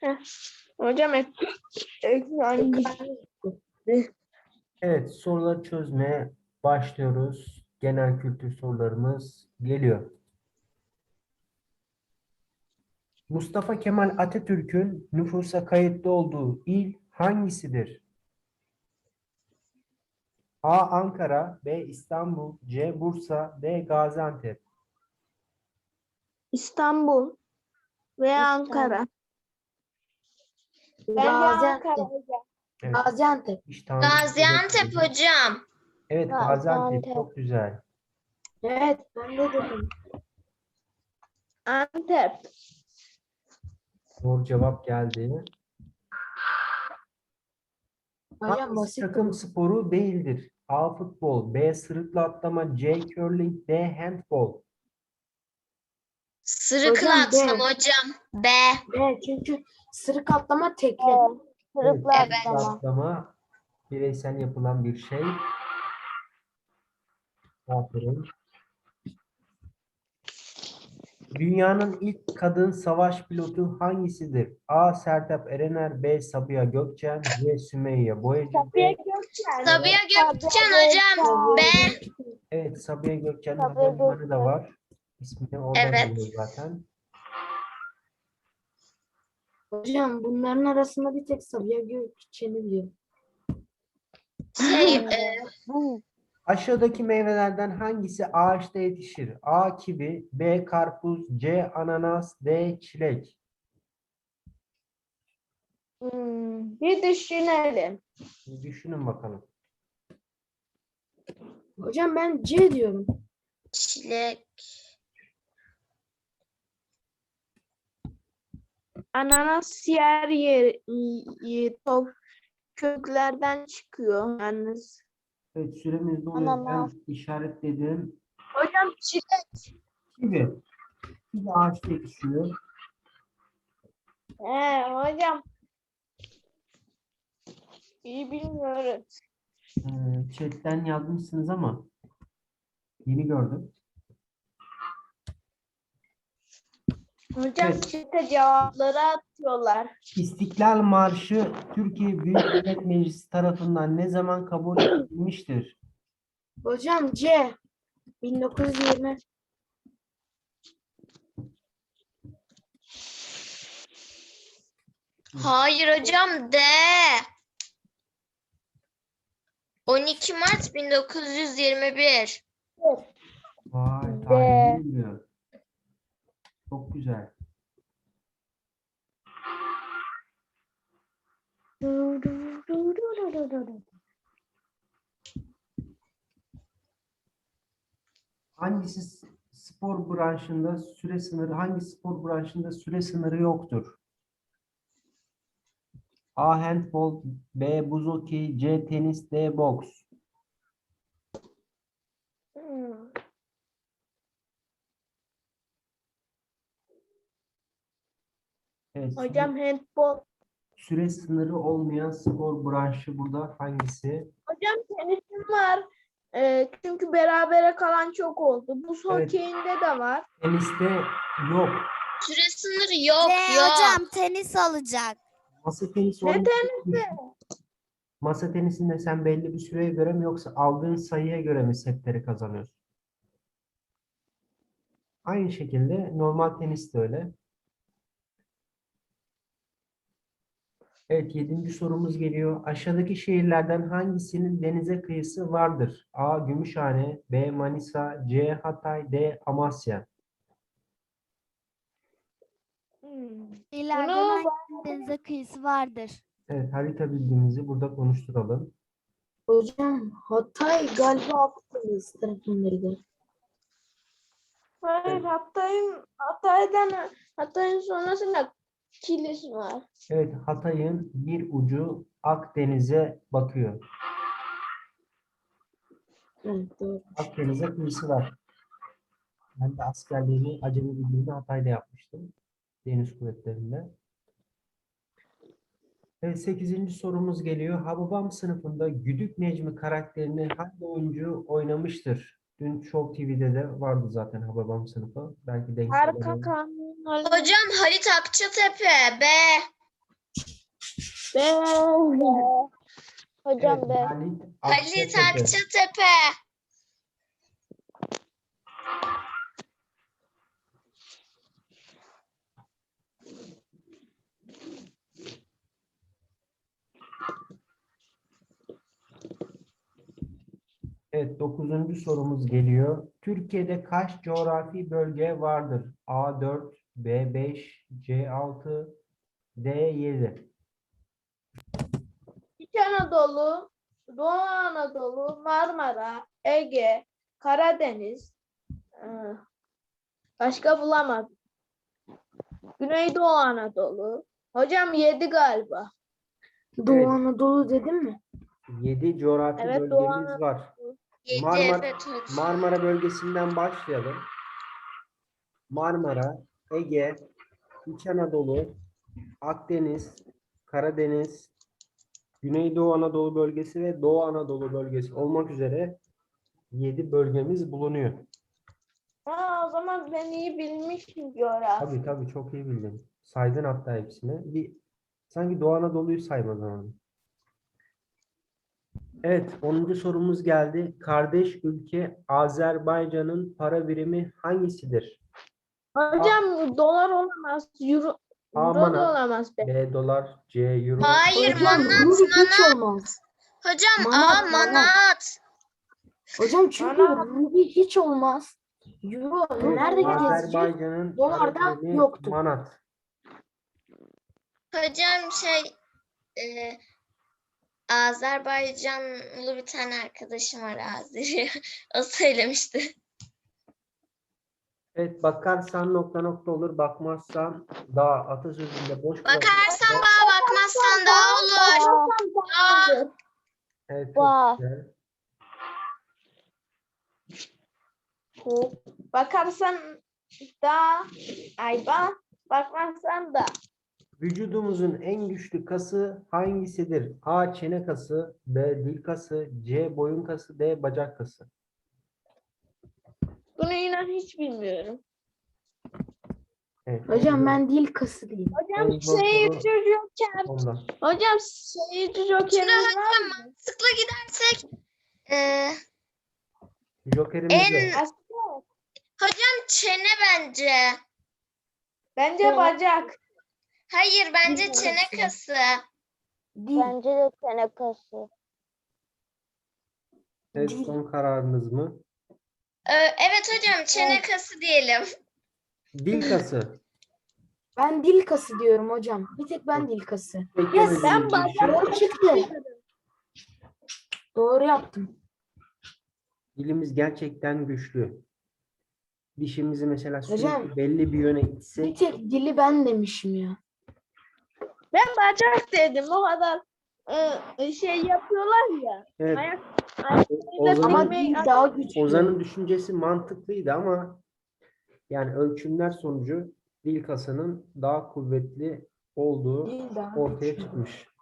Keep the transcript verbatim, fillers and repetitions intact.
Heh. Hocam ek, ekran. Evet, soruları çözmeye başlıyoruz. Genel kültür sorularımız geliyor. Mustafa Kemal Atatürk'ün nüfusa kayıtlı olduğu il hangisidir? A. Ankara, B. İstanbul, C. Bursa, D. Gaziantep. İstanbul veya Ankara. Bence Gaziantep. Ankara hocam. Evet, Gaziantep. hiç tahmin Gaziantep edemedim. hocam. Evet, Gaziantep Gaziantep. çok güzel. Evet, ben de dedim. Antep. Doğru cevap geldi. Hocam Hangisi basit. takım sporu değildir? A. Futbol, B. Sırıkla atlama, C. Curling, D. Handbol. Sırıkla Hocam, atlama B. hocam. B. Evet, çünkü sırık atlama tekli. Evet. Evet, Sırıkla Evet. atlama. atlama bireysel yapılan bir şey. Aferin. Dünyanın ilk kadın savaş pilotu hangisidir? A. Sertab Erener, B. Sabiha Gökçen, C. Sümeyye Boyacı, Sabiha D. Gökçen. Sabiha Gökçen hocam. B. Evet, Sabiha Gökçen'in Sabiha havalimanı da Gökçen. var. İsmini oradan Evet. alıyor zaten. Hocam bunların arasında bir tek Sabiha Gökçen'i biliyorum. Şey, e, Aşağıdaki meyvelerden hangisi ağaçta yetişir? A. Kivi, B. Karpuz, C. Ananas, D. Çilek. Hmm, bir düşünelim. Bir düşünün bakalım. Hocam ben C diyorum. çilek. Ananas yer yer, yer top köklerden çıkıyor yalnız. Evet, süremiz doluyor. Ananas. Ben işaretledim. Hocam çilek. Kivi. Kivi ağaçta yetişiyor. He hocam. İyi bilmiyoruz. Ee, chatten yazmışsınız ama yeni gördüm. Hocam Evet. çete cevapları atıyorlar. İstiklal Marşı Türkiye Büyük Millet Meclisi tarafından ne zaman kabul edilmiştir? Hocam C. bin dokuz yüz yirmi. Hayır hocam D. on iki Mart bin dokuz yüz yirmi bir. Vay, De. tarihini biliyor. Çok güzel. Hangisi s- spor branşında süre sınırı, hangi spor branşında süre sınırı yoktur? A. Handbol, B. Buz hokeyi, C. Tenis, D. Boks. Hmm. Evet, Hocam handball. süre sınırı olmayan spor branşı burada hangisi? Hocam tenisim var. Ee, çünkü berabere kalan çok oldu. Buz Evet. hokeyinde de var. Teniste yok. Süre sınırı yok C yok. hocam tenis alacak. Masa tenisi Ne oyunu- tenisi? Masa tenisinde sen belli bir süreye göre mi yoksa aldığın sayıya göre mi setleri kazanıyorsun? Aynı şekilde normal tenis de öyle. Evet, yedinci sorumuz geliyor. Aşağıdaki şehirlerden hangisinin denize kıyısı vardır? A. Gümüşhane, B. Manisa, C. Hatay, D. Amasya. Hmm. İleriden Bunu hangi denize kıyısı vardır? Evet, harita bildiğimizi burada konuşturalım. Hocam Hatay galiba Akdeniz tarafındaydı. hayır, Hatay'ın Hatay'dan Hatay'ın sonrasında Kilis var. Evet, Hatay'ın bir ucu Akdeniz'e bakıyor. Evet, doğru. Akdeniz'e kıyısı var. Ben de askerliğimi acemi bildiğimde Hatay'da yapmıştım. Deniz kuvvetlerinde. Evet, sekizinci sorumuz geliyor. Hababam sınıfında Güdük Necmi karakterini hangi oyuncu oynamıştır? Dün Show T V'de de vardı zaten Hababam sınıfı. Belki denk Arka gelebilir. kanun. Hocam Halit Akçatepe. B. B. Hocam Evet, B. Halit Halit Akçatepe. Akçatepe. Evet, dokuzuncu sorumuz geliyor. Türkiye'de kaç coğrafi bölge vardır? A dört, B beş, C altı, D yedi. İç Anadolu, Doğu Anadolu, Marmara, Ege, Karadeniz. Ee, Başka bulamadım. Güneydoğu Anadolu. Hocam yedi galiba. Doğu Evet. Anadolu dedim mi? yedi coğrafi Evet, Doğu bölgemiz Anadolu. var. Yedi Marmara, evet hocam. Marmara bölgesinden başlayalım. Marmara, Ege, İç Anadolu, Akdeniz, Karadeniz, Güneydoğu Anadolu bölgesi ve Doğu Anadolu bölgesi olmak üzere yedi bölgemiz bulunuyor. Aa, o zaman ben iyi bilmişim coğrafya. Tabii tabii çok iyi bildin. Saydın hatta hepsini. Bir sanki Doğu Anadolu'yu saymadın onu. Evet, onuncu sorumuz geldi. Kardeş ülke Azerbaycan'ın para birimi hangisidir? Hocam dolar olamaz, euro, A euro da manat, olamaz be. B dolar, C euro. Hayır Hocam manat rubi hiç manat. olmaz. Hocam Manat, A manat. manat. Hocam çünkü Manat. rubi hiç olmaz. Euro Evet, nerede gezecek? Azerbaycan'ın Dolarda para birimi yoktu. manat. Hocam şey e, Azerbaycanlı bir tane arkadaşım var Azeri. O söylemişti. Evet, bakarsan nokta nokta olur, bakmazsan da atasözünde boş bırak. Bakarsan bağ bakmazsan da olur. Aa, Evet, Vay. çok güzel. Bakarsan da ayba, bakmazsan da. Vücudumuzun en güçlü kası hangisidir? A. Çene kası, B. Dil kası, C. Boyun kası, D. Bacak kası. Bunu inan hiç bilmiyorum. Evet, Hocam en ben dil kası diyeyim. Hocam En zor seyirci soru joker. ondan. Hocam seyirci Şimdi jokerimiz hocam var mı? mantıklı gidersek e, Jokerimiz en yok. Aslında hocam çene bence. bence Çene. bacak. Hayır bence Dil çene kası. kası. Dil. Bence de tenekası. Evet, Dil. son kararınız mı? E, evet hocam çene kası diyelim. Dil kası. Ben dil kası diyorum hocam. Bir tek ben dil kası. Beklemediğimiz Ben bir bacak. şey. Doğru çıktı. Doğru yaptım. Dilimiz gerçekten güçlü. Dişimizi mesela Hocam, sürekli belli bir yöne Bir itsek tek dili ben demişim ya. Ben bacak dedim. O kadar e, şey yapıyorlar ya. evet, Ayak, ayaklarıyla Ozan'ın, Ama bilmeyi- dil daha güçlü. Ozan'ın düşüncesi mantıklıydı ama yani ölçümler sonucu dil kasının daha kuvvetli olduğu Dil daha ortaya güçlü. çıkmış.